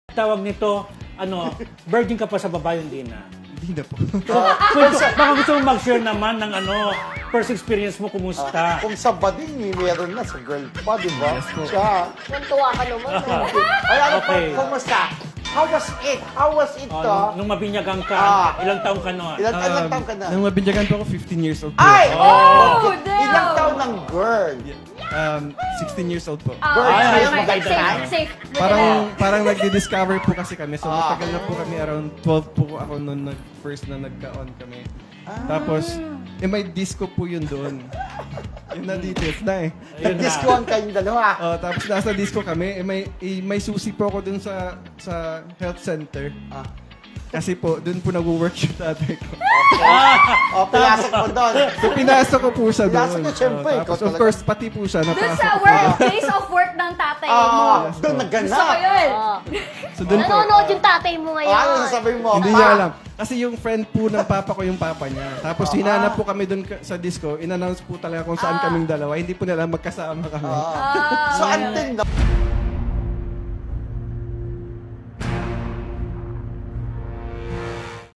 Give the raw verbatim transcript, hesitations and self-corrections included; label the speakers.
Speaker 1: Tawag nito, ano, virgin ka pa sa babae, hindi na.
Speaker 2: Hindi na po.
Speaker 1: Kung, baka gusto mo mag-share naman ng ano, first experience mo, kumusta?
Speaker 3: Kung sa bading, may meron na sa girl pa, di ba?
Speaker 2: Yes po.
Speaker 3: Siya.
Speaker 4: Nantuwa ka naman. eh.
Speaker 3: Ay, ano
Speaker 1: Okay.
Speaker 3: po, kumusta? How was it? How was it
Speaker 1: Oh,
Speaker 3: to?
Speaker 1: nung, nung mabinyagang ka,
Speaker 3: Ah.
Speaker 1: ilang taon ka noon?
Speaker 3: Ilan, ilang taon ka na?
Speaker 2: Nung mabinyagan po ako, fifteen years old po.
Speaker 3: Ay!
Speaker 4: Oh,
Speaker 3: Okay.
Speaker 4: damn!
Speaker 3: Ilang taon ng girl?
Speaker 2: Um, sixteen years old po.
Speaker 4: Ah,
Speaker 3: Girl,
Speaker 1: Ay,
Speaker 3: ayaw
Speaker 1: ayos,
Speaker 3: mo
Speaker 1: maganda
Speaker 4: safe,
Speaker 1: na.
Speaker 4: safe.
Speaker 2: Parang parang nagdi-discover po kasi kami. So
Speaker 3: Ah.
Speaker 2: matagal na po kami, around twelve po ako noon nag first na nagka-on kami. Tapos, eh may disco po yun doon. Yun na details na eh.
Speaker 1: Ayun na.
Speaker 3: Nag-discoan kayong dalawa.
Speaker 2: Oh, tapos nasa disco kami, eh may, eh, may susi po ako dun sa sa health center.
Speaker 3: Ah.
Speaker 2: Kasi po, dun po nag-work yung tatay ko.
Speaker 3: O, pinasok mo doon.
Speaker 2: So pinasok ko po siya doon.
Speaker 3: Pinasok niya, syempre,
Speaker 2: Oh,
Speaker 3: ikaw
Speaker 2: tapos of
Speaker 3: talaga.
Speaker 2: course, pati po siya.
Speaker 4: Doon
Speaker 2: napasok
Speaker 4: sa
Speaker 2: ko po.
Speaker 4: work, place of work ng tatay mo.
Speaker 3: Ah, doon
Speaker 4: Gusto ko
Speaker 3: nagganap.
Speaker 4: yun.
Speaker 2: So doon po.
Speaker 4: Nanonood yung tatay mo ngayon.
Speaker 3: Ah, ano sasabihin mo?
Speaker 2: Hindi
Speaker 3: Pa?
Speaker 2: niya alam. Kasi yung friend po ng papa ko yung papa niya. Tapos hinanap po kami doon ka- sa disco. In-announce po talaga kung saan kaming dalawa. Hindi po nila magkasama kami.
Speaker 3: Ah. So, until now,